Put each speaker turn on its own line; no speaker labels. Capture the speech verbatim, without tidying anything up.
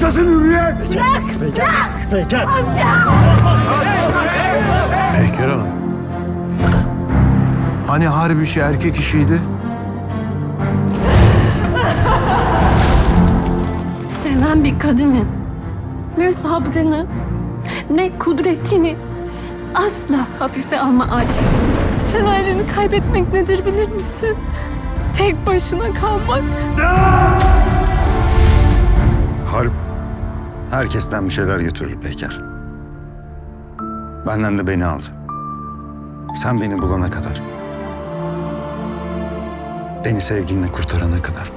yaşasın hürriyet!
Bırak! Bırak!
Peyker.
Amca!
Peyker Hanım. Hani harbi işi erkek işiydi?
Seven bir kadının ne sabrını ne kudretini asla hafife alma Arif. Sen aileni kaybetmek nedir bilir misin? Tek başına kalmak.
Harp herkesten bir şeyler götürür Peyker. Benden de beni aldı. Sen beni bulana kadar. Beni sevginle kurtarana kadar.